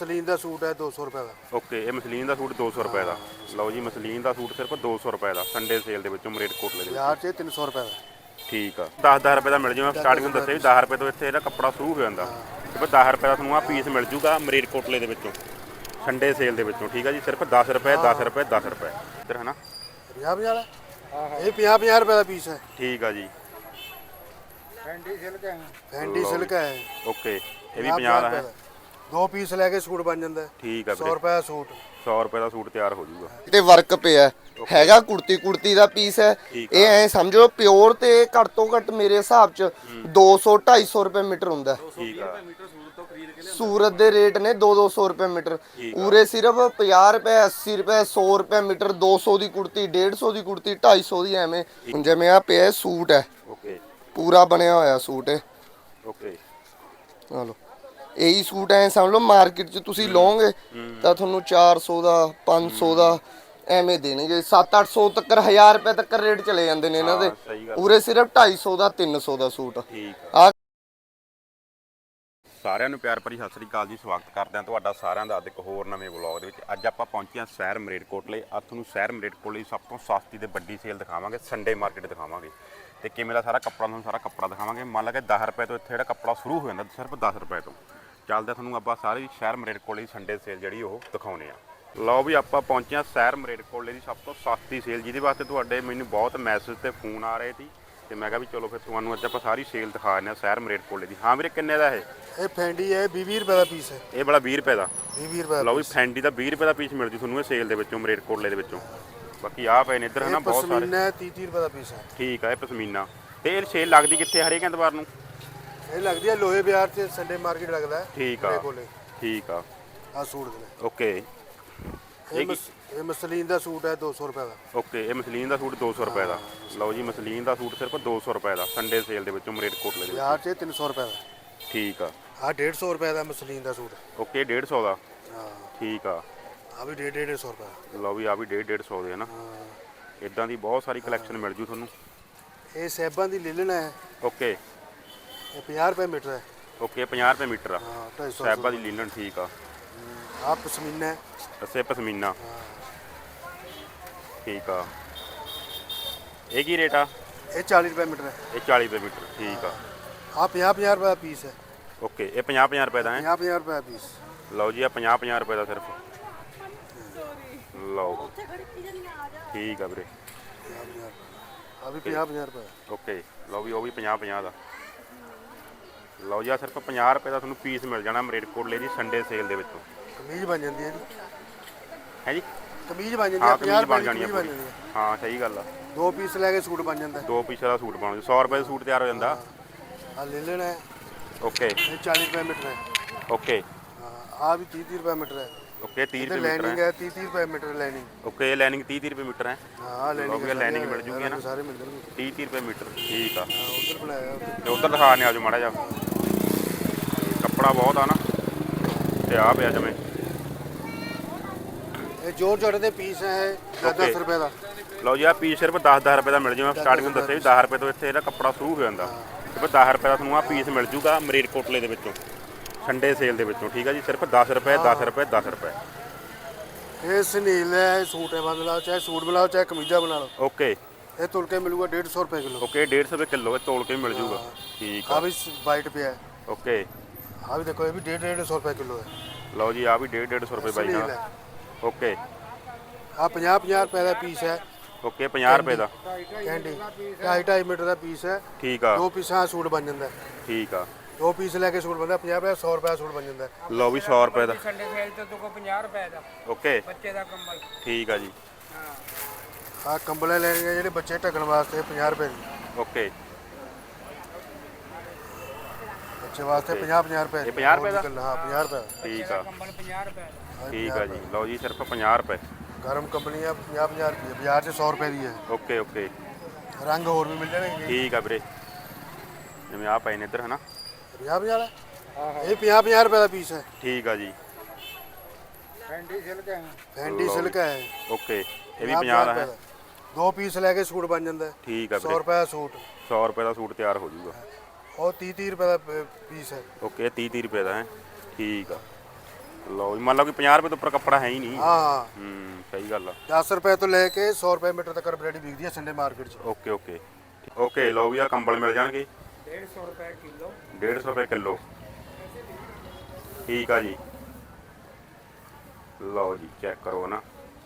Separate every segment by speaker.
Speaker 1: Muslin ਦਾ suit ਹੈ 200 ਰੁਪਏ ਦਾ।
Speaker 2: ਓਕੇ, ਇਹ ਮਸਲੀਨ ਦਾ ਸੂਟ 200 ਰੁਪਏ ਦਾ। ਲਓ ਜੀ, ਮਸਲੀਨ ਦਾ ਸੂਟ ਸਿਰਫ 200 ਰੁਪਏ ਦਾ ਸੰਡੇ ਸੇਲ ਦੇ ਵਿੱਚੋਂ ਮਰੇਟਕੋਟਲੇ ਦੇ
Speaker 1: ਬਾਜ਼ਾਰ
Speaker 2: ਵਿੱਚ।
Speaker 1: 'ਚ 300 ਰੁਪਏ ਦਾ।
Speaker 2: ਠੀਕ ਆ, 10-10 ਰੁਪਏ ਦਾ ਮਿਲ ਜੂ। ਮੈਂ ਸਟਾਰਟਿੰਗ ਨੂੰ ਦੱਸਿਆ ਵੀ 10 ਰੁਪਏ ਤੋਂ ਇੱਥੇ ਇਹਦਾ ਕੱਪੜਾ ਸ਼ੁਰੂ ਹੋ ਜਾਂਦਾ। ਤੇ 10 ਰੁਪਏ ਦਾ ਤੁਹਾਨੂੰ ਆਹ ਪੀਸ ਮਿਲ ਜੂਗਾ ਮਰੇਟਕੋਟਲੇ ਦੇ ਵਿੱਚੋਂ ਸੰਡੇ ਸੇਲ ਦੇ ਵਿੱਚੋਂ। ਠੀਕ ਆ ਜੀ, ਸਿਰਫ 10 ਰੁਪਏ 10 ਰੁਪਏ 10 ਰੁਪਏ ਇੱਧਰ ਹੈ ਨਾ।
Speaker 1: 50 ਵਾਲਾ ਇਹ 50 ਰੁਪਏ ਦਾ ਪੀਸ ਹੈ।
Speaker 2: ਠੀਕ ਆ ਜੀ,
Speaker 1: ਫੈਂਡੀ ਸਿਲਕ ਹੈ।
Speaker 2: ਓਕੇ, ਇਹ ਵੀ 50 ਦਾ ਹੈ।
Speaker 1: 2 ਪੀਸ ਲੈ ਕੇ ਸੂਟ ਬਣ ਜਾਂਦਾ।
Speaker 2: ਠੀਕ ਆ
Speaker 1: 100
Speaker 2: ਵੀਰੇ,
Speaker 1: ਰੁਪਏ ਦਾ ਸੂਟ।
Speaker 2: 100 ਰੁਪਏ ਦਾ ਸੂਟ ਤਿਆਰ ਹੋ ਜੂਗਾ।
Speaker 3: ਤੇ ਵਰਕ ਪਿਆ ਹੈਗਾ, ਕੁੜਤੀ ਦਾ ਪੀਸ ਹੈ ਇਹ। ਐ ਸਮਝੋ ਪਿਓਰ ਤੇ ਘੱਟ ਤੋਂ ਘੱਟ ਮੇਰੇ ਹਿਸਾਬ ਚ 200-250 ਰੁਪਏ ਮੀਟਰ ਹੁੰਦਾ।
Speaker 2: ਠੀਕ ਆ,
Speaker 3: ਸੂਰਤ ਦੇ ਰੇਟ ਨੇ 200 ਰੁਪਏ ਮੀਟਰ। ਪੂਰੇ ਸਿਰਫ 50 ਰੁਪਏ 80 ਰੁਪਏ 100 ਰੁਪਏ ਮੀਟਰ। 200 ਦੀ ਕੁੜਤੀ 150 ਦੀ ਕੁੜਤੀ 250 ਦੀ ਐਵੇਂ। ਹੁਣ ਜਿਵੇਂ ਆ ਪਿਆ ਸੂਟ ਹੈ,
Speaker 2: ਓਕੇ
Speaker 3: ਪੂਰਾ ਬਣਿਆ ਹੋਇਆ ਸੂਟ ਹੈ।
Speaker 2: ਓਕੇ,
Speaker 3: ਆ ਲਓ, ਇਹੀ ਸੂਟ ਐ ਸਮਝ ਲਓ ਮਾਰਕੀਟ 'ਚ ਤੁਸੀਂ ਲਓਗੇ ਤਾਂ ਤੁਹਾਨੂੰ 400 ਦਾ 500 ਦਾ ਐਵੇਂ ਦੇਣਗੇ। 700-800 ਤੱਕ 1000 ਰੁਪਏ ਤੱਕ ਰੇਟ ਚਲੇ ਜਾਂਦੇ ਨੇ ਇਹਨਾਂ ਦੇ।
Speaker 2: ਸਹੀ ਗੱਲ।
Speaker 3: ਪੂਰੇ ਸਿਰਫ 250 ਦਾ 300 ਦਾ ਸੂਟ।
Speaker 2: ਠੀਕ
Speaker 3: ਆ
Speaker 2: ਸਾਰਿਆਂ ਨੂੰ ਪਿਆਰ ਭਰੀ ਸਤਿ ਸ੍ਰੀ ਅਕਾਲ ਜੀ। ਸਵਾਗਤ ਕਰਦੇ ਹਾਂ ਤੁਹਾਡਾ ਸਾਰਿਆਂ ਦਾ ਅੱਜ ਇੱਕ ਹੋਰ ਨਵੇਂ ਵਲੌਗ ਦੇ ਵਿੱਚ। ਅੱਜ ਆਪਾਂ ਪਹੁੰਚੇ ਹਾਂ ਸ਼ਹਿਰ ਮਰੇਟਕੋਟਲੇ। ਅੱਜ ਤੁਹਾਨੂੰ ਸ਼ਹਿਰ ਮਰੇਟਕੋਟਲੇ ਸਭ ਤੋਂ ਸਸਤੀ ਤੇ ਵੱਡੀ ਸੇਲ ਦਿਖਾਵਾਂਗੇ, ਸੰਡੇ ਮਾਰਕੀਟ ਦਿਖਾਵਾਂਗੇ ਤੇ ਕਿਵੇਂ ਦਾ ਸਾਰਾ ਕੱਪੜਾ ਤੁਹਾਨੂੰ ਸਾਰਾ ਕੱਪੜਾ ਦਿਖਾਵਾਂਗੇ। ਮੰਨ ਲਾ ਕਿ 10 ਰੁਪਏ ਤੋਂ ਇੱਥੇ ਜਿਹੜਾ ਕੱਪੜਾ ਸ਼ੁਰੂ ਹੋ ਜਾਂਦਾ, ਸਿਰਫ 10 ਰੁਪਏ ਤੋਂ ਚੱਲਦਾ। ਤੁਹਾਨੂੰ ਆਪਾਂ ਸਾਰੀ ਸ਼ਹਿਰ ਮਰੇਟਕੋਟਲੇ ਦੀ ਸੰਡੇ ਸੇਲ ਜਿਹੜੀ ਉਹ ਦਿਖਾਉਣੇ ਆ। ਲਓ ਵੀ, ਆਪਾਂ ਪਹੁੰਚੇ ਹਾਂ ਸ਼ਹਿਰ ਮਰੇਟਕੋਟਲੇ ਦੀ ਸਭ ਤੋਂ ਸਸਤੀ ਸੇਲ, ਜਿਹਦੇ ਵਾਸਤੇ ਤੁਹਾਡੇ ਮੈਨੂੰ ਬਹੁਤ ਮੈਸੇਜ ਤੇ ਫੋਨ ਆ ਰਹੇ ਸੀ ਤੇ ਮੈਂ ਕਿਹਾ ਵੀ ਚਲੋ ਫਿਰ ਤੁਹਾਨੂੰ ਅੱਜ ਆਪਾਂ ਸਾਰੀ ਸੇਲ ਦਿਖਾ ਦਿੰਦੇ ਹਾਂ ਸ਼ਹਿਰ ਮਰੇਟਕੋਟਲੇ ਦੀ। ਹਾਂ ਵੀਰੇ, ਕਿੰਨੇ ਦਾ
Speaker 1: ਇਹ ਫੈਂਡੀ ਹੈ 20 ਰੁਪਏ ਦਾ ਪੀਸ ਹੈ।
Speaker 2: ਇਹ ਵਾਲਾ 20 ਰੁਪਏ ਦਾ।
Speaker 1: 20 ਰੁਪਏ।
Speaker 2: ਲਓ ਵੀ, ਫੈਂਡੀ ਦਾ 20 ਰੁਪਏ ਦਾ ਪੀਸ ਮਿਲ ਜੂ ਤੁਹਾਨੂੰ ਇਹ ਸੇਲ ਦੇ ਵਿੱਚੋਂ ਮਰੇਟਕੋਟਲੇ ਦੇ ਵਿੱਚੋਂ। ਬਾਕੀ ਆਹ ਪਏ ਨੇ ਇੱਧਰ ਹੈ ਨਾ ਬਹੁਤ ਸਾਰੇ।
Speaker 1: ਪਸ਼ਮੀਨਾ 30 ਰੁਪਏ ਦਾ ਪੀਸ ਹੈ।
Speaker 2: ਠੀਕ ਆ, ਇਹ ਪਸ਼ਮੀਨਾ। ਤੇ ਇਹ ਸੇਲ ਲੱਗਦੀ ਕਿੱਥੇ? ਹਰੇਕ ਐਤਵਾਰ ਨੂੰ
Speaker 1: ਇਹ ਲੱਗਦੀ ਹੈ ਲੋਹੇ ਬਾਜ਼ਾਰ 'ਚ ਸੰਡੇ ਮਾਰਕੀਟ ਲੱਗਦਾ ਹੈ।
Speaker 2: ਠੀਕ ਆ, ਠੀਕ ਆ,
Speaker 1: ਆ ਸੂਟ ਦੇ।
Speaker 2: ਓਕੇ।
Speaker 1: ਇਹ ਮਸਲੀਨ ਦਾ ਸੂਟ ਹੈ 200 ਰੁਪਏ ਦਾ।
Speaker 2: ਓਕੇ, ਇਹ ਮਸਲੀਨ ਦਾ ਸੂਟ 200 ਰੁਪਏ ਦਾ। ਲਓ ਜੀ, ਮਸਲੀਨ ਦਾ ਸੂਟ ਸਿਰਫ 200 ਰੁਪਏ ਦਾ ਸੰਡੇ ਸੇਲ ਦੇ ਵਿੱਚੋਂ ਮਰੇਟਕੋਟਲੇ ਦੇ
Speaker 1: ਬਾਜ਼ਾਰ
Speaker 2: ਵਿੱਚ।
Speaker 1: 'ਚ 300 ਰੁਪਏ ਦਾ।
Speaker 2: ਠੀਕ ਆ,
Speaker 1: ਆ 150 ਰੁਪਏ ਦਾ ਮਸਲੀਨ ਦਾ ਸੂਟ।
Speaker 2: ਓਕੇ, 150 ਦਾ।
Speaker 1: ਹਾਂ,
Speaker 2: ਠੀਕ ਆ।
Speaker 1: ਆ ਵੀ 150 ਰੁਪਏ।
Speaker 2: ਲਓ ਵੀ, ਆ ਵੀ 150 ਦੇ ਹੈ ਨਾ। ਇਦਾਂ ਦੀ ਬਹੁਤ ਸਾਰੀ ਕਲੈਕਸ਼ਨ ਮਿਲ ਜੂ ਤੁਹਾਨੂੰ।
Speaker 1: ਇਹ ਸੈਬਾਂ ਦੀ ਲਿਲਨ ਹੈ।
Speaker 2: ਓਕੇ
Speaker 1: ਇਹ 50 ਰੁਪਏ ਮੀਟਰ ਹੈ।
Speaker 2: ਓਕੇ, 50 ਰੁਪਏ ਮੀਟਰ ਆ।
Speaker 1: ਹਾਂ, 250
Speaker 2: ਸਾਹਿਬਾ ਦੀ ਲੀਲਨ। ਠੀਕ ਆ,
Speaker 1: ਆ ਪਸ਼ਮੀਨਾ ਹੈ।
Speaker 2: ਅੱਛਾ, ਪਸ਼ਮੀਨਾ। ਠੀਕ ਆ, ਇਹ ਕੀ ਰੇਟ ਆ?
Speaker 1: ਇਹ 40 ਰੁਪਏ ਮੀਟਰ ਹੈ।
Speaker 2: ਇਹ 40 ਰੁਪਏ ਮੀਟਰ। ਠੀਕ ਆ।
Speaker 1: ਆ 50 ਰੁਪਏ ਦਾ ਪੀਸ ਹੈ।
Speaker 2: ਓਕੇ, ਇਹ 50 ਰੁਪਏ ਦਾ ਹੈ।
Speaker 1: 50 ਰੁਪਏ ਦਾ ਪੀਸ।
Speaker 2: ਲਓ ਜੀ, ਆ 50 ਰੁਪਏ ਦਾ ਸਿਰਫ। ਲਓ, ਠੀਕ ਆ ਵੀਰੇ।
Speaker 1: ਆ ਵੀ 50 ਰੁਪਏ।
Speaker 2: ਓਕੇ, ਲਓ ਵੀ, ਉਹ ਵੀ 50 ਦਾ। ਲਓ ਜੀ, ਆ ਸਿਰਫ 50 ਰੁਪਏ ਦਾ ਤੁਹਾਨੂੰ ਪੀਸ ਮਿਲ ਜਾਣਾ ਮਰੇਟਕੋਟਲੇ ਦੀ ਸੰਡੇ ਸੇਲ ਦੇ ਵਿੱਚੋਂ।
Speaker 1: ਕਮੀਜ਼ ਬਣ ਜਾਂਦੀ ਹੈ ਜੀ।
Speaker 2: ਹੈ ਜੀ,
Speaker 1: ਕਮੀਜ਼ ਬਣ ਜਾਂਦੀ
Speaker 2: ਹਾਂ
Speaker 1: ਹੈ।
Speaker 2: ਕਮੀਜ਼
Speaker 1: 50
Speaker 2: ਬਣ
Speaker 1: ਰੁਪਏ
Speaker 2: ਜਾਣੀ
Speaker 1: ਦੀ
Speaker 2: ਆ
Speaker 1: ਬਣ
Speaker 2: ਪੂਰੀ।
Speaker 1: ਜਾਂਦੀ ਹੈ।
Speaker 2: ਹਾਂ ਸਹੀ ਗੱਲ ਆ।
Speaker 1: 2 ਪੀਸ ਲੈ ਕੇ ਸੂਟ ਬਣ ਜਾਂਦਾ।
Speaker 2: 2 ਪੀਸਾਂ ਦਾ ਸੂਟ ਬਣ ਜੂ। 100 ਰੁਪਏ ਦਾ ਸੂਟ ਤਿਆਰ ਹੋ ਜਾਂਦਾ।
Speaker 1: ਆ ਲਿਲਨ ਹੈ।
Speaker 2: ਓਕੇ
Speaker 1: ਇਹ 40 ਰੁਪਏ ਮੀਟਰ ਹੈ।
Speaker 2: ਓਕੇ
Speaker 1: ਆ ਵੀ 30 ਰੁਪਏ ਮੀਟਰ ਹੈ।
Speaker 2: ਓਕੇ, 30
Speaker 1: ਤੇ
Speaker 2: ਰੁਪਏ ਮੀਟਰ
Speaker 1: ਲਾਈਨਿੰਗ
Speaker 2: ਹੈ।
Speaker 1: ਹੈ 30 ਰੁਪਏ ਮੀਟਰ ਲਾਈਨਿੰਗ।
Speaker 2: ਓਕੇ, ਇਹ ਲਾਈਨਿੰਗ 30 ਰੁਪਏ ਮੀਟਰ ਹੈ।
Speaker 1: ਹਾਂ, ਲਾਈਨਿੰਗ
Speaker 2: ਲਾਈਨਿੰਗ ਮਿਲ ਜੂਗੀ ਨਾ।
Speaker 1: ਸਾਰੇ ਮਿਲ ਜਾਣਗੇ।
Speaker 2: 30 ਰੁਪਏ ਮੀਟਰ। ਠੀਕ ਆ।
Speaker 1: ਉਧਰ ਬਣਾਇਆ
Speaker 2: ਤੇ ਉਧਰ ਦਿਖਾਣੇ ਆਜੋ ਮਾੜਾ ਜਿਹਾ। ਕੱਪੜਾ ਬਹੁਤ ਆ ਨਾ ਤੇ ਆ ਪਿਆ ਜਿਵੇਂ।
Speaker 1: ਇਹ ਜੋਰ ਜੋੜ ਦੇ ਪੀਸ ਹੈ 10 ਰੁਪਏ ਦਾ।
Speaker 2: ਲਓ ਜੀ, ਆ ਪੀਸ ਸਿਰਫ 10 ਰੁਪਏ ਦਾ ਮਿਲ ਜੂ। ਮੈਂ ਸਟਾਰਟਿੰਗ ਨੂੰ ਦੱਸਿਆ ਵੀ 10 ਰੁਪਏ ਤੋਂ ਇੱਥੇ ਇਹਦਾ ਕੱਪੜਾ ਸ਼ੁਰੂ ਹੋ ਜਾਂਦਾ। ਸਿਰਫ 10 ਰੁਪਏ ਦਾ ਤੁਹਾਨੂੰ ਆ ਪੀਸ ਮਿਲ ਜੂਗਾ ਮਰੇਟਕੋਟਲੇ ਦੇ ਵਿੱਚੋਂ ਸੰਡੇ ਸੇਲ ਦੇ ਵਿੱਚੋਂ। ਠੀਕ ਆ ਜੀ, ਸਿਰਫ 10 ਰੁਪਏ 10 ਰੁਪਏ 10 ਰੁਪਏ।
Speaker 1: ਇਹ ਸਨੀਲ ਹੈ। ਇਹ ਸੂਟ ਹੈ। ਬਦਲਾਓ ਚਾਹੇ ਸੂਟ ਬਣਾਓ ਚਾਹੇ ਕਮੀਜ਼ਾਂ ਬਣਾ ਲਓ।
Speaker 2: ਓਕੇ
Speaker 1: ਇਹ ਤੁਲ ਕੇ ਮਿਲੂਗਾ 150 ਰੁਪਏ ਕਿਲੋ।
Speaker 2: ਓਕੇ, 150 ਰੁਪਏ ਕਿਲੋ। ਇਹ ਤੋਲ ਕੇ ਵੀ ਮਿਲ ਜੂਗਾ। ਠੀਕ
Speaker 1: ਆ
Speaker 2: ਆ।
Speaker 1: ਵੀ ਵਾਈਟ ਪਿਆ।
Speaker 2: ਓਕੇ,
Speaker 1: ਆ ਵੀ ਦੇਖੋ, ਇਹ ਵੀ 150 ਰੁਪਏ ਕਿਲੋ ਹੈ।
Speaker 2: ਲਓ ਜੀ, ਆ ਵੀ 150 ਰੁਪਏ ਬਾਈ
Speaker 1: ਸਨੀਲ
Speaker 2: ਨਾਲ।
Speaker 1: ਹੈ।
Speaker 2: ਓਕੇ
Speaker 1: ਆ 50 ਰੁਪਏ ਦਾ ਪੀਸ ਹੈ।
Speaker 2: ਓਕੇ, 50 ਰੁਪਏ ਦਾ।
Speaker 1: ਕੈਂਡੀ 2.5 ਮੀਟਰ ਦਾ ਪੀਸ ਹੈ।
Speaker 2: ਠੀਕ ਆ।
Speaker 1: 2 ਪੀਸਾਂ ਸੂਟ ਬਣ ਜਾਂਦਾ।
Speaker 2: ਠੀਕ ਆ।
Speaker 1: 2 ਪੀਸ ਲੈ ਕੇ ਸੂਟ ਬਣਦਾ 50 ਰੁਪਏ 100 ਰੁਪਏ ਸੂਟ ਬਣ ਜਾਂਦਾ।
Speaker 2: ਲਓ ਵੀ, 100 ਰੁਪਏ ਦਾ।
Speaker 4: ਸੰਡੇ ਸੇਲ ਤੇ ਤੋਂ 50 ਰੁਪਏ ਦਾ
Speaker 2: ਓਕੇ,
Speaker 4: ਬੱਚੇ ਦਾ ਕੰਬਲ।
Speaker 2: ਠੀਕ ਆ ਜੀ।
Speaker 1: ਆ ਕੰਬਲੇ ਲੈਣਗੇ ਜਿਹੜੇ ਬੱਚੇ ਢੱਕਣ ਵਾਸਤੇ 50 ਰੁਪਏ ਦੀ।
Speaker 2: ਓਕੇ,
Speaker 1: ਬੱਚੇ ਵਾਸਤੇ 50 ਰੁਪਏ।
Speaker 2: ਇਹ 50 ਰੁਪਏ ਦਾ?
Speaker 1: ਹਾਂ, 50 ਰੁਪਏ ਦਾ।
Speaker 2: ਠੀਕ ਆ।
Speaker 4: ਕੰਬਲ 50 ਰੁਪਏ ਦਾ।
Speaker 2: ਠੀਕ ਆ ਜੀ। ਲਓ ਜੀ, ਸਿਰਫ 50 ਰੁਪਏ।
Speaker 1: ਗਰਮ ਕੰਬਲੀ ਆ 50 ਰੁਪਏ। ਬਾਜ਼ਾਰ 'ਚ 100 ਰੁਪਏ ਦੀ ਹੈ।
Speaker 2: ਓਕੇ ਓਕੇ,
Speaker 1: ਰੰਗ ਹੋਰ ਵੀ ਮਿਲ ਜਾਣਗੇ।
Speaker 2: ਠੀਕ ਆ ਵੀਰੇ। ਜਿਵੇਂ ਆ ਪਏ ਨੇ ਇੱਧਰ ਹੈ ਨਾ।
Speaker 1: 50 ਵਾਲਾ। ਇਹ 50 ਰੁਪਏ ਦਾ ਪੀਸ ਹੈ।
Speaker 2: ਠੀਕ ਆ ਜੀ।
Speaker 4: ਫੈਂਡੀ ਸਿਲਕ ਹੈ।
Speaker 1: ਫੈਂਡੀ ਸਿਲਕ ਹੈ।
Speaker 2: ਓਕੇ, ਇਹ ਵੀ 50 ਦਾ ਹੈ।
Speaker 1: 2 ਪੀਸ ਲੈ ਕੇ ਸੂਟ ਬਣ ਜਾਂਦਾ।
Speaker 2: ਠੀਕ ਆ
Speaker 1: 100
Speaker 2: ਵੀਰੇ।
Speaker 1: ਰੁਪਏ ਦਾ ਸੂਟ।
Speaker 2: 100 ਰੁਪਏ ਦਾ ਸੂਟ ਤਿਆਰ ਹੋ ਜਾਊਗਾ।
Speaker 1: ਉਹ 30 ਰੁਪਏ ਦਾ ਪੀਸ ਹੈ।
Speaker 2: ਓਕੇ, 30 ਰੁਪਏ ਦਾ ਹੈ। ਠੀਕ ਆ। ਲਓ ਜੀ, ਮੰਨ ਲਓ ਕਿ 50 ਰੁਪਏ ਤੋਂ ਉੱਪਰ ਕੱਪੜਾ ਹੈ ਹੀ ਨਹੀਂ।
Speaker 1: ਹਾਂ
Speaker 2: ਸਹੀ ਗੱਲ ਆ।
Speaker 1: 10 ਰੁਪਏ ਤੋਂ ਲੈ ਕੇ 100 ਰੁਪਏ ਮੀਟਰ ਤੱਕ ਵੈਰਾਈਟੀ ਵਿਕਦੀ ਹੈ ਸੰਡੇ ਮਾਰਕੀਟ 'ਚ।
Speaker 2: Okay okay okay. ਲਓ ਵੀ ਆ ਕੰਬਲ ਮਿਲ ਜਾਣਗੇ
Speaker 4: 150 ਰੁਪਏ ਕਿਲੋ।
Speaker 2: 150 ਰੁਪਏ ਕਿਲੋ। ਠੀਕ ਆ ਜੀ। ਲਓ ਜੀ ਚੈੱਕ ਕਰੋ ਨਾ।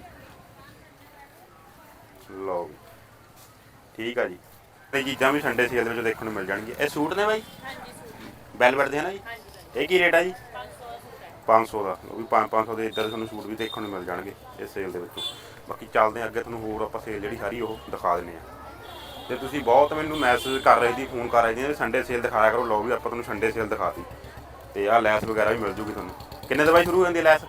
Speaker 2: ਲਓ ਜੀ ਠੀਕ ਆ ਜੀ। ਤੇ ਚੀਜ਼ਾਂ ਵੀ ਸੰਡੇ ਸੇਲ ਦੇ ਵਿੱਚ ਦੇਖਣ ਨੂੰ ਮਿਲ ਜਾਣਗੀਆਂ। ਇਹ ਸੂਟ ਨੇ ਬਾਈ? ਹਾਂਜੀ ਸੂਟ ਵੈਲਵਟ ਦੇ ਹੈ ਨਾ ਜੀ? ਇਹ ਕੀ ਰੇਟ ਆ ਜੀ? 500 ਦਾ। ਉਹ ਵੀ 500 ਦੇ ਇੱਧਰ ਤੁਹਾਨੂੰ ਸੂਟ ਵੀ ਦੇਖਣ ਨੂੰ ਮਿਲ ਜਾਣਗੇ ਇਸ ਸੇਲ ਦੇ ਵਿੱਚੋਂ। ਬਾਕੀ ਚੱਲਦੇ ਹਾਂ ਅੱਗੇ, ਤੁਹਾਨੂੰ ਹੋਰ ਆਪਾਂ ਸੇਲ ਜਿਹੜੀ ਸਾਰੀ ਉਹ ਦਿਖਾ ਦਿੰਦੇ ਹਾਂ। ਤੇ ਤੁਸੀਂ ਬਹੁਤ ਮੈਨੂੰ ਮੈਸੇਜ ਕਰ ਰਹੇ ਸੀ, ਫੋਨ ਕਰ ਰਹੇ ਸੀ ਸੰਡੇ ਸੇਲ ਦਿਖਾਇਆ ਕਰੋ। ਲਓ ਵੀ ਆਪਾਂ ਤੁਹਾਨੂੰ ਸੰਡੇ ਸੇਲ ਦਿਖਾਤੀ। ਤੇ ਆਹ ਲੈਸ ਵਗੈਰਾ ਵੀ ਮਿਲ ਜੂਗੀ ਤੁਹਾਨੂੰ। ਕਿੰਨੇ ਤੋਂ ਬਾਈ ਸ਼ੁਰੂ ਹੋ ਜਾਂਦੀ ਹੈ ਲੈਸ?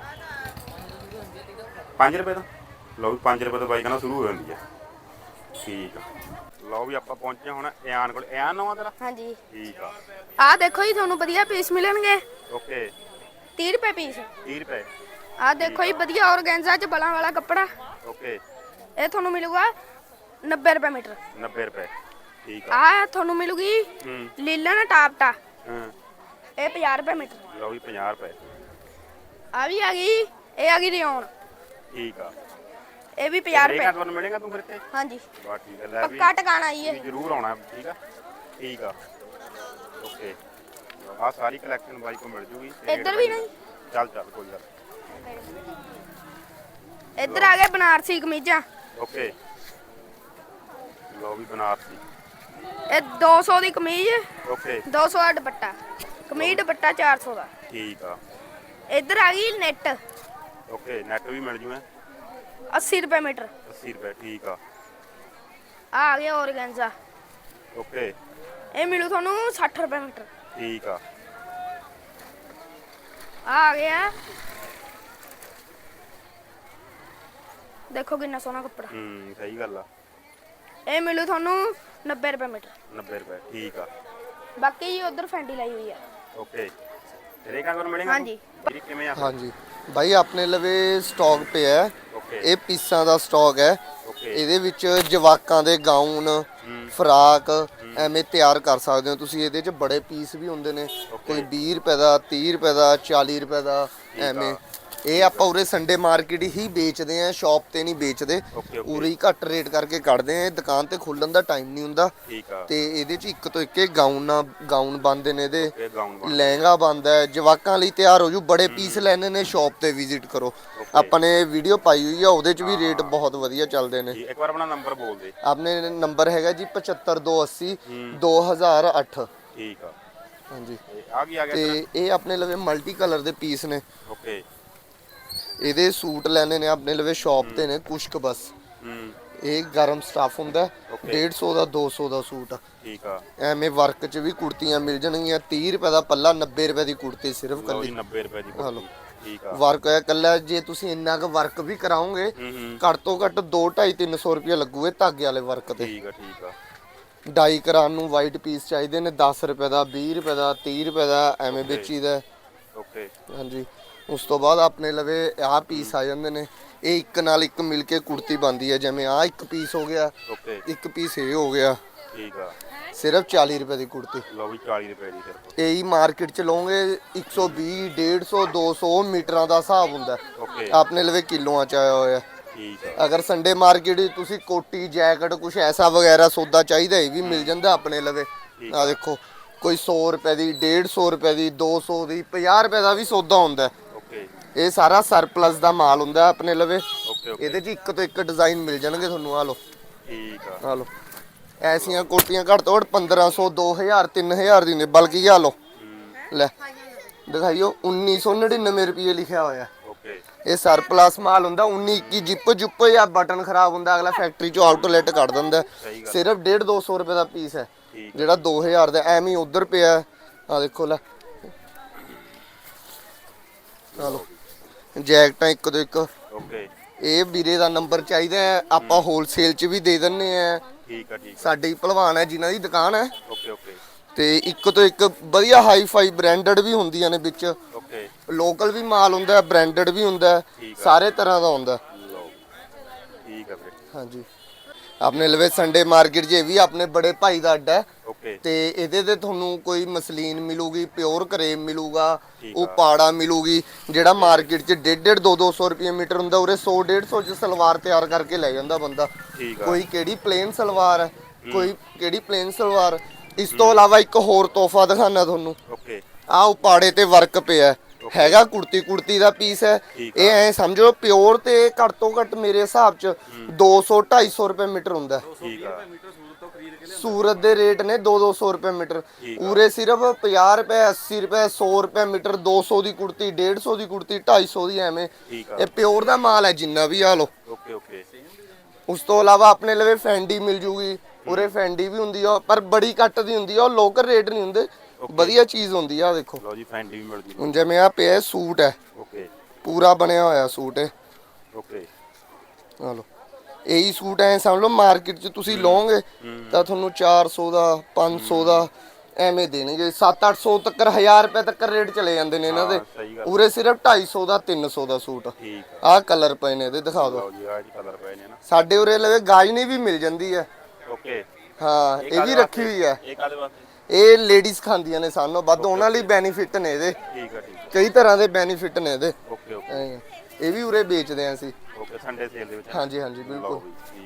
Speaker 2: 5 ਰੁਪਏ ਤੋਂ। ਲਓ ਵੀ 5 ਰੁਪਏ ਤੋਂ ਬਾਈ ਕਹਿੰਦਾ ਸ਼ੁਰੂ ਹੋ ਜਾਂਦੀ ਹੈ। ਠੀਕ ਆ। ਲਓ ਵੀ ਆਪਾਂ ਪਹੁੰਚੇ ਹੁਣ ਇਆਨ ਕੋਲ। ਇਆਨ ਨਵਾਂ ਤੇਰਾ?
Speaker 5: ਹਾਂਜੀ।
Speaker 2: ਠੀਕ ਆ।
Speaker 5: ਆ ਦੇਖੋ ਜੀ, ਤੁਹਾਨੂੰ ਵਧੀਆ ਪੀਸ ਮਿਲਣਗੇ।
Speaker 2: ਓਕੇ
Speaker 5: 30 ਰੁਪਏ ਪੀਸ।
Speaker 2: 30 ਰੁਪਏ।
Speaker 5: ਆ ਦੇਖੋ ਜੀ, ਵਧੀਆ ਔਰਗੈਂਜ਼ਾ 'ਚ ਬਲਾਂ ਵਾਲਾ ਕੱਪੜਾ।
Speaker 2: ਓਕੇ
Speaker 5: ਇਹ ਤੁਹਾਨੂੰ ਮਿਲੂਗਾ 90 ਰੁਪਏ ਮੀਟਰ।
Speaker 2: 90 ਰੁਪਏ। ਠੀਕ ਆ।
Speaker 5: ਆ ਤੁਹਾਨੂੰ ਮਿਲੂਗੀ ਲੀਲਨ ਟਾਪਟਾ।
Speaker 2: ਹਾਂ
Speaker 5: ਇਹ 50 ਰੁਪਏ ਮੀਟਰ।
Speaker 2: ਲਓ ਵੀ 50 ਰੁਪਏ।
Speaker 5: ਆ ਵੀ ਆ ਗਈ, ਇਹ ਆ ਗਈ ਰਿਓਨ।
Speaker 2: ਠੀਕ ਆ।
Speaker 5: ਇਹ ਵੀ 50
Speaker 2: ਰੇਟ
Speaker 5: ਰੁਪਏ।
Speaker 2: ਤੁਹਾਨੂੰ ਮਿਲੇਗਾ ਤੂੰ ਫਿਰ ਇੱਥੇ?
Speaker 5: ਹਾਂਜੀ
Speaker 2: ਬਾ ਠੀਕ ਹੈ। ਲੈ ਵੀ
Speaker 5: ਪੱਕਾ ਟਿਕਾਣਾ ਜੀ
Speaker 2: ਵੀ
Speaker 5: ਇਹ।
Speaker 2: ਜ਼ਰੂਰ ਆਉਣਾ। ਠੀਕ ਆ ਠੀਕ ਆ। ਓਕੇ ਆ ਸਾਰੀ ਕਲੈਕਸ਼ਨ ਬਾਈ ਕੋ ਮਿਲ ਜੂਗੀ।
Speaker 5: ਇੱਧਰ ਵੀ ਨਹੀਂ।
Speaker 2: ਚੱਲ ਚੱਲ ਕੋਈ ਗੱਲ।
Speaker 5: ਇੱਧਰ ਆ ਗਏ ਬਨਾਰਸੀ ਕਮੀਜ਼ਾਂ।
Speaker 2: ਓਕੇ ਲਓ ਵੀ ਬਨਾਰਸੀ।
Speaker 5: ਇਹ 200 ਦੀ ਕਮੀਜ਼,
Speaker 2: ਓਕੇ
Speaker 5: 200 ਦਾ ਦੁਪੱਟਾ। ਕਮੀਜ਼ ਦੁਪੱਟਾ 400 ਦਾ।
Speaker 2: ਠੀਕ ਆ।
Speaker 5: ਇੱਧਰ ਆ ਗਈ ਨੈਟ,
Speaker 2: ਓਕੇ ਨੈਟ ਵੀ ਮਿਲ ਜੂ ਹੈ
Speaker 5: 80 ਰੁਪਏ ਮੀਟਰ।
Speaker 2: 80 ਰੁਪਏ। ਠੀਕ ਆ।
Speaker 5: ਆ ਗਿਆ ਔਰਗੈਂਜ਼ਾ।
Speaker 2: ਓਕੇ
Speaker 5: ਇਹ ਮਿਲੂ ਤੁਹਾਨੂੰ 60 ਰੁਪਏ ਮੀਟਰ।
Speaker 2: ਠੀਕ ਆ।
Speaker 5: ਆ ਗਿਆ, ਦੇਖੋ ਕਿੰਨਾ ਸੋਹਣਾ ਕੱਪੜਾ।
Speaker 2: ਸਹੀ ਗੱਲ ਆ।
Speaker 5: ਇਹ ਮਿਲੂ ਤੁਹਾਨੂੰ 90 ਰੁਪਏ ਮੀਟਰ।
Speaker 2: 90 ਰੁਪਏ। ਠੀਕ ਆ।
Speaker 5: ਬਾਕੀ ਜੀ ਉਧਰ ਫੈਂਡੀ ਲਾਈ ਹੋਈ ਆ।
Speaker 2: ਓਕੇ ਰੇਟਾਂ ਕੋਲ ਮਿਲੇਗਾ?
Speaker 5: ਹਾਂਜੀ।
Speaker 2: ਵੀਰੇ ਕਿਵੇਂ ਆ?
Speaker 3: ਹਾਂਜੀ ਬਾਈ, ਆਪਣੇ ਲਵੇ ਸਟਾਕ ਪਿਆ ਹੈ।
Speaker 2: ਓਕੇ
Speaker 3: ਇਹ ਪੀਸਾਂ ਦਾ ਸਟਾਕ ਹੈ।
Speaker 2: ਓਕੇ
Speaker 3: ਇਹਦੇ ਵਿੱਚ ਜਵਾਕਾਂ ਦੇ ਗਾਊਨ, ਫਰਾਕ ਐਵੇਂ ਤਿਆਰ ਕਰ ਸਕਦੇ ਹੋ ਤੁਸੀਂ। ਇਹਦੇ 'ਚ ਬੜੇ ਪੀਸ ਵੀ ਹੁੰਦੇ ਨੇ, ਕੋਈ 20 ਰੁਪਏ ਦਾ, 30 ਰੁਪਏ ਦਾ, 40 ਰੁਪਏ ਦਾ ਐਵੇਂ। ਇਹ ਆਪਾਂ ਉਰੇ ਸੰਡੇ ਮਾਰਕੀਟ ਹੀ ਵੇਚਦੇ ਆ, ਸ਼ਾਪ ਤੇ ਨਹੀਂ ਵੇਚਦੇ। ਉਰੇ ਹੀ ਘੱਟ ਰੇਟ ਕਰਕੇ ਕੱਢਦੇ ਆ। ਦੁਕਾਨ ਤੇ ਖੁੱਲਣ ਦਾ ਟਾਈਮ ਨਹੀਂ ਹੁੰਦਾ।
Speaker 2: ਠੀਕ ਆ।
Speaker 3: ਤੇ ਇਹਦੇ 'ਚ ਇੱਕ ਤੋਂ ਇੱਕ ਗਾਊਨ ਬਣਦੇ ਨੇ। ਇਹਦੇ
Speaker 2: ਇਹ ਗਾਊਨ ਬਣ
Speaker 3: ਲਹਿੰਗਾ ਬਣਦਾ ਹੈ, ਜਵਾਕਾਂ ਲਈ ਤਿਆਰ ਹੋ ਜੂ। ਬੜੇ ਪੀਸ ਲੈਣੇ ਨੇ, ਸ਼ਾਪ ਤੇ ਵਿਜ਼ਿਟ ਕਰੋ। ਆਪਾਂ ਨੇ ਵੀਡੀਓ ਪਾਈ ਹੋਈ ਆ, ਉਹਦੇ 'ਚ ਵੀ ਰੇਟ ਬਹੁਤ ਵਧੀਆ ਚੱਲਦੇ ਨੇ।
Speaker 2: ਇੱਕ ਵਾਰ ਆਪਣਾ ਨੰਬਰ ਬੋਲ ਦੇ।
Speaker 3: ਆਪਣੇ ਨੰਬਰ ਹੈਗਾ ਜੀ 7528 2008।
Speaker 2: ਠੀਕ ਆ।
Speaker 3: ਹਾਂਜੀ
Speaker 2: ਆ ਗਿਆ
Speaker 3: ਤੇ ਇਹ ਆਪਣੇ ਲਵੇ ਮਲਟੀ ਕਲਰ ਦੇ ਪੀਸ ਨੇ।
Speaker 2: ਓਕੇ
Speaker 3: ਇਹਦੇ ਸੂਟ ਲੈਣੇ ਨੇ ਆਪਣੇ ਲਵੇ ਸ਼ਾਪ ਤੇ ਨੇ ਕੁਛ ਕੁ ਬਸ। ਇਹ ਗਰਮ ਸਟਾਫ ਹੁੰਦਾ 150 ਦਾ 200 ਦਾ ਸੂਟ।
Speaker 2: ਠੀਕ ਆ।
Speaker 3: ਐਵੇਂ ਵਰਕ 'ਚ ਵੀ ਕੁੜਤੀਆਂ ਮਿਲ ਜਾਣਗੀਆਂ। 30 ਰੁਪਏ ਦਾ ਪੱਲਾ, 90 ਰੁਪਏ ਦੀ ਕੁੜਤੀ ਸਿਰਫ
Speaker 2: ਲਓ
Speaker 3: ਕੱਲੀ।
Speaker 2: ਜੀ 90 ਰੁਪਏ ਦੀ
Speaker 3: ਹਾਂ ਲਓ।
Speaker 2: ਕੁੜਤੀ। ਠੀਕ ਆ।
Speaker 3: ਵਰਕ ਹੈ ਕੱਲਾ। ਜੇ ਤੁਸੀਂ ਇੰਨਾ ਕੁ ਵਰਕ ਵੀ ਕਰਾਓਗੇ ਘੱਟ ਤੋਂ ਘੱਟ 2-250-300 ਰੁਪਏ ਲੱਗੂਗੇ ਧਾਗੇ ਵਾਲੇ ਵਰਕ ਤੇ।
Speaker 2: ਠੀਕ ਆ। ਠੀਕ ਆ।
Speaker 3: ਡਾਈ ਕਰਾਉਣ ਨੂੰ ਵਾਈਟ ਪੀਸ ਚਾਹੀਦੇ ਨੇ 10 ਰੁਪਏ ਦਾ, 20 ਰੁਪਏ ਦਾ, 30 ਰੁਪਏ ਦਾ ਐਵੇਂ ਵੇਚੀਦਾ।
Speaker 2: ਓਕੇ
Speaker 3: ਹਾਂਜੀ ਉਸ ਤੋਂ ਬਾਅਦ ਆਪਣੇ ਲਵੇ ਆਹ ਪੀਸ ਆ ਜਾਂਦੇ ਨੇ। ਇਹ ਇੱਕ ਨਾਲ ਇੱਕ ਮਿਲ ਕੇ ਕੁੜਤੀ ਬਣਦੀ ਹੈ। ਜਿਵੇਂ ਆਹ ਇੱਕ ਪੀਸ ਹੋ ਗਿਆ,
Speaker 2: ਓਕੇ
Speaker 3: ਇੱਕ ਪੀਸ ਇਹ ਹੋ ਗਿਆ।
Speaker 2: ਠੀਕ ਆ।
Speaker 3: ਸਿਰਫ 40 ਰੁਪਏ ਦੀ ਕੁੜਤੀ।
Speaker 2: ਲਓ ਵੀ 40 ਰੁਪਏ ਦੀ ਸਿਰਫ।
Speaker 3: ਇਹੀ ਮਾਰਕੀਟ ਚ ਲਓਗੇ 120, 150, 200 ਮੀਟਰਾਂ ਦਾ ਹਿਸਾਬ ਹੁੰਦਾ।
Speaker 2: ਓਕੇ
Speaker 3: ਆਪਣੇ ਲਵੇ ਕਿਲੋਆਂ ਚ ਆਇਆ ਹੋਇਆ।
Speaker 2: ਠੀਕ ਆ।
Speaker 3: ਅਗਰ ਸੰਡੇ ਮਾਰਕੀਟ ਵਿੱਚ ਤੁਸੀਂ ਕੋਟੀ, ਜੈਕਟ ਕੁਝ ਐਸਾ ਵਗੈਰਾ ਸੌਦਾ ਚਾਹੀਦਾ ਇਹ ਵੀ ਮਿਲ ਜਾਂਦਾ ਆਪਣੇ ਲਵੇ। ਆ ਦੇਖੋ ਕੋਈ 100 ਰੁਪਏ ਦੀ, 150 ਰੁਪਏ ਦੀ, 200 ਦੀ, 50 ਰੁਪਏ ਦਾ ਵੀ ਸੌਦਾ ਹੁੰਦਾ।
Speaker 2: ਓਕੇ
Speaker 3: ਇਹ ਸਾਰਾ ਸਰਪਲਸ ਦਾ ਮਾਲ ਹੁੰਦਾ ਆਪਣੇ ਲਵੇ।
Speaker 2: Okay okay.
Speaker 3: ਇਹਦੇ 'ਚ ਇੱਕ ਤੋਂ ਇੱਕ ਡਿਜ਼ਾਈਨ ਮਿਲ ਜਾਣਗੇ ਤੁਹਾਨੂੰ। ਆ ਲਓ
Speaker 2: ਠੀਕ ਆ।
Speaker 3: ਆ ਲਓ ਐਸੀਆਂ ਕੋਟੀਆਂ ਘੱਟ ਤੋਂ ਘੱਟ 1500, 2000, 3000 ਦੀ ਨੇ। ਬਲਕਿ ਆ ਲਓ ਲੈ ਦਿਖਾਈਓ 1999 ਰੁਪਏ ਲਿਖਿਆ ਹੋਇਆ।
Speaker 2: ਓਕੇ
Speaker 3: ਇਹ ਸਰਪਲਸ ਮਾਲ ਹੁੰਦਾ। 19 21 ਜਿੱਪ ਜੁੱਪ ਜਾਂ ਬਟਨ ਖਰਾਬ ਹੁੰਦਾ ਅਗਲਾ ਫੈਕਟਰੀ ਚੋਂ ਆਊਟਲੈਟ ਕੱਢ ਦਿੰਦਾ। ਸਿਰਫ 150-200 ਰੁਪਏ ਦਾ ਪੀਸ ਹੈ ਜਿਹੜਾ 2000 ਦਾ ਐਵੇਂ ਹੀ ਉਧਰ ਪਿਆ। ਆ ਦੇਖੋ ਲੈ ਆ ਲਓ ਜੈਕਟਾਂ ਇੱਕ ਤੋਂ ਇੱਕ।
Speaker 2: ਓਕੇ
Speaker 3: ਇਹ ਵੀਰੇ ਦਾ ਨੰਬਰ ਚਾਹੀਦਾ ਹੈ, ਆਪਾਂ ਹੋਲਸੇਲ 'ਚ ਵੀ ਦੇ ਦਿੰਨੇ ਆ।
Speaker 2: ਠੀਕ ਆ। ਠੀਕ
Speaker 3: ਸਾਡੇ ਹੀ ਭਲਵਾਨ ਹੈ ਜਿਨ੍ਹਾਂ ਦੀ ਦੁਕਾਨ ਹੈ।
Speaker 2: ਓਕੇ ਓਕੇ
Speaker 3: ਤੇ ਇੱਕ ਤੋਂ ਇੱਕ ਵਧੀਆ ਹਾਈ ਫਾਈ ਬ੍ਰਾਂਡਡ ਵੀ ਹੁੰਦੀਆਂ ਨੇ ਵਿੱਚ।
Speaker 2: ਓਕੇ
Speaker 3: ਲੋਕਲ ਵੀ ਮਾਲ ਹੁੰਦਾ, ਬ੍ਰਾਂਡਡ ਵੀ ਹੁੰਦਾ, ਸਾਰੇ ਤਰ੍ਹਾਂ ਦਾ ਹੁੰਦਾ।
Speaker 2: ਲਓ ਠੀਕ ਆ ਵੀਰੇ।
Speaker 3: ਹਾਂਜੀ ਆਪਣੇ ਲਵੇ ਸੰਡੇ ਮਾਰਕੀਟ 'ਚ ਇਹ ਵੀ ਆਪਣੇ ਬੜੇ ਭਾਈ ਦਾ ਅੱਡਾ ਹੈ।
Speaker 2: ਓਕੇ
Speaker 3: ਤੇ ਇਹਦੇ ਤੇ ਤੁਹਾਨੂੰ ਕੋਈ ਮਸਲੀਨ ਮਿਲੂਗੀ, ਪਿਓਰ ਕਰੇਮ ਮਿਲੂਗਾ,
Speaker 2: ਠੀਕ
Speaker 3: ਉਹ ਪਾੜਾ ਮਿਲੂਗੀ, ਜਿਹੜਾ ਮਾਰਕੀਟ 'ਚ 150 200 ਰੁਪਏ ਮੀਟਰ ਹੁੰਦਾ, ਉਰੇ 100 150 'ਚ ਸਲਵਾਰ ਤਿਆਰ ਕਰਕੇ ਲੈ ਜਾਂਦਾ ਬੰਦਾ।
Speaker 2: ਠੀਕ ਆ
Speaker 3: ਕੋਈ ਕਿਹੜੀ ਪਲੇਨ ਸਲਵਾਰ ਹੈ, ਕੋਈ ਕਿਹੜੀ ਪਲੇਨ ਸਲਵਾਰ। ਇਸ ਤੋਂ ਇਲਾਵਾ ਇੱਕ ਹੋਰ ਤੋਹਫਾ ਦਿਖਾਣਾ ਤੁਹਾਨੂੰ,
Speaker 2: ਓਕੇ
Speaker 3: ਆਹ ਉਪਾੜੇ ਤੇ ਵਰਕ ਪਿਆ ਹੈਗਾ, ਕੁੜਤੀ ਦਾ ਪੀਸ ਹੈ
Speaker 2: ਠੀਕ
Speaker 3: ਇਹ। ਐ ਸਮਝੋ ਪਿਓਰ ਤੇ ਘੱਟ ਤੋਂ ਘੱਟ ਮੇਰੇ ਹਿਸਾਬ 'ਚ 200 250 ਰੁਪਏ ਮੀਟਰ ਹੁੰਦਾ।
Speaker 2: ਠੀਕ ਆ
Speaker 3: ਸੂਰਤ ਦੇ ਰੇਟ ਨੇ 200 ਰੁਪਏ ਮੀਟਰ, ਉਰੇ ਸਿਰਫ 50 ਰੁਪਏ 80 ਰੁਪਏ 100 ਰੁਪਏ ਮੀਟਰ, 200 ਦੀ ਕੁੜਤੀ 150 ਦੀ ਕੁੜਤੀ 250 ਦੀ ਐਵੇਂ।
Speaker 2: ਠੀਕ ਆ
Speaker 3: ਇਹ ਪਿਓਰ ਦਾ ਮਾਲ ਹੈ ਜਿੰਨਾ ਵੀ, ਆ ਲੋ।
Speaker 2: ਓਕੇ ਓਕੇ
Speaker 3: ਉਸ ਤੋਂ ਇਲਾਵਾ ਆਪਣੇ ਲਵੇ ਫੈਂਡੀ ਮਿਲ ਜੂਗੀ, ਉਰੇ ਫੈਂਡੀ ਵੀ ਹੁੰਦੀ ਆ ਪਰ ਬੜੀ ਘੱਟ ਦੀ ਹੁੰਦੀ ਆ, ਉਹ ਲੋਕਲ ਰੇਟ ਨਹੀਂ ਹੁੰਦੇ, ਵਧੀਆ ਚੀਜ਼ ਹੁੰਦੀ ਆ। ਦੇਖੋ
Speaker 2: ਲਓ ਜੀ ਫੈਂਡੀ ਵੀ ਮਿਲ ਜੂ
Speaker 3: ਹੁਣ ਜਿਵੇਂ ਆ ਪਿਆ ਸੂਟ ਹੈ,
Speaker 2: ਓਕੇ
Speaker 3: ਪੂਰਾ ਬਣਿਆ ਹੋਇਆ ਸੂਟ ਹੈ,
Speaker 2: ਓਕੇ
Speaker 3: ਆ ਲੋ। ਇਹੀ ਸੂਟ ਐ ਸਮਝ ਲਓ ਮਾਰਕੀਟ 'ਚ ਤੁਸੀਂ ਲਓਗੇ ਤਾਂ ਤੁਹਾਨੂੰ 400 ਦਾ 500 ਦਾ ਐਵੇਂ ਦੇਣਗੇ, 700 ਤੱਕ 1000 ਰੁਪਏ ਤੱਕ ਰੇਟ ਚਲੇ ਜਾਂਦੇ ਨੇ ਇਹਨਾਂ ਦੇ।
Speaker 2: ਸਹੀ ਗੱਲ
Speaker 3: ਉਰੇ ਸਿਰਫ 250 ਦਾ 300 ਦਾ ਸੂਟ।
Speaker 2: ਠੀਕ ਆ
Speaker 3: ਆਹ ਕਲਰ ਪਏ ਨੇ ਇਹਦੇ, ਦਿਖਾ ਦਿਓ।
Speaker 2: ਲਓ ਜੀ ਆ ਜੀ ਕਲਰ ਪਏ ਨੇ ਨਾ
Speaker 3: ਸਾਡੇ ਉਰੇ ਲਵੇ ਗਾਜਨੀ ਵੀ ਮਿਲ ਜਾਂਦੀ ਹੈ,
Speaker 2: ਓਕੇ
Speaker 3: ਹਾਂ ਇਹ ਵੀ ਰੱਖੀ ਹੋਈ ਹੈ।
Speaker 2: ਇਹ ਕਾਦੇ ਵਾਸਤੇ
Speaker 3: ਇਹ ਲੇਡੀਜ਼ ਖਾਂਦੀਆਂ ਨੇ ਸਾਨੂੰ ਵੱਧ, ਉਹਨਾਂ ਲਈ ਬੈਨੀਫਿਟ ਨੇ ਇਹਦੇ,
Speaker 2: ਠੀਕ ਆ ਠੀਕ
Speaker 3: ਕਈ ਤਰ੍ਹਾਂ ਦੇ ਬੈਨੀਫਿਟ ਨੇ ਇਹਦੇ।
Speaker 2: ਓਕੇ ਓਕੇ
Speaker 3: ਐਂ। ਇਹ ਵੀ ਉਰੇ ਵੇਚਦੇ ਆਂ ਅਸੀਂ।
Speaker 2: ਓਕੇ ਸੰਡੇ ਸੇਲ ਦੇ ਵਿੱਚ
Speaker 3: ਹਾਂਜੀ ਹਾਂਜੀ
Speaker 2: ਲਓ
Speaker 3: ਬਿਲਕੁਲ।
Speaker 2: ਜੀ ਠੀਕ